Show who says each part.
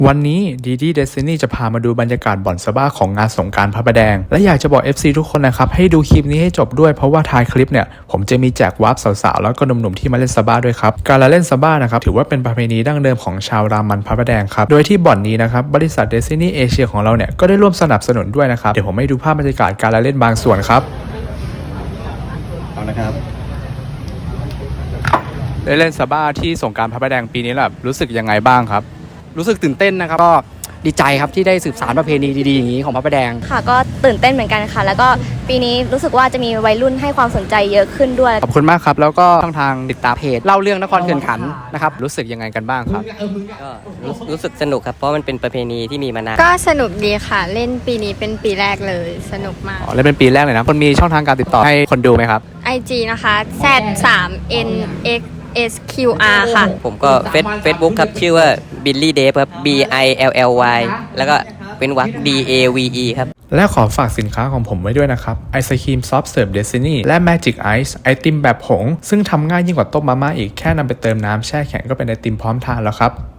Speaker 1: วันนี้ดีดีเดซินี่จะพามาดูบรรยากาศบ่อนซาบ้าของงานสงกรานต์พระประแดงและอยากจะบอก FC ทุกคนนะครับให้ดูคลิปนี้ให้จบด้วยเพราะว่าท้ายคลิปเนี่ยผมจะมีแจกวาร์ปสาวๆแล้วก็หนุ่มๆที่มาเล่นซาบ้าด้วยครับการละเล่นซาบ้านะครับถือว่าเป็นประเพณีดั้งเดิมของชาวรามันพระประแดงครับโดยที่บ่อนนี้นะครับบริษัทเดซินี่เอเชียของเราเนี่ยก็ได้ร่วมสนับสนุนด้วยนะครับเดี๋ยวผมให้ดูภาพบรรยากาศการละเล่นบางส่วนครับเอานะครับได้เล่นซาบ้าที่สงกรานต์พระประแดงปีนี้แบบรู้สึกยังไงบ้างครับ
Speaker 2: รู้สึกตื่นเต้นนะครับก็ดีใจครับที่ได้สืบสานประเพณีดีๆอย่างนี้ของพระประแดง
Speaker 3: ค่ะก็ตื่นเต้นเหมือนกันค่ะแล้วก็ปีนี้รู้สึกว่าจะมีวัยรุ่นให้ความสนใจเยอะขึ้นด้วย
Speaker 1: ขอบคุณมากครับแล้วก็ช่องทางติดตาม
Speaker 2: เพจเล่าเรื่องนครเขื่อนขันธ์นะครับ
Speaker 1: รู้สึกยังไงกันบ้างครับ
Speaker 4: ก็รู้สึกสนุกครับเพราะมันเป็นประเพณีที่มีมานาน
Speaker 5: ก็สนุกดีค่ะเล่นปีนี้เป็นปีแรกเลยสนุกมาก
Speaker 1: เล่นเป็นปีแรกเลยนะคนมีช่องทางการติดต่อให้คนดูไหมครับ
Speaker 5: IG นะคะ Z3NXSQR ค่ะ
Speaker 4: ผมก็เฟซบุ๊กครับชื่อว่า Billy Dave ครับ BILLY แล้วก็เป็นวรรค DAVE ครับ
Speaker 1: และขอฝากสินค้าของผมไว้ด้วยนะครับไอศครีมซอฟต์เสิร์ฟเดซินี่และ Magic Ice ไอติมแบบผงซึ่งทำง่ายยิ่งกว่าต้มมาม่าอีกแค่นำไปเติมน้ำแช่แข็งก็เป็นไอติมพร้อมทานแล้วครับ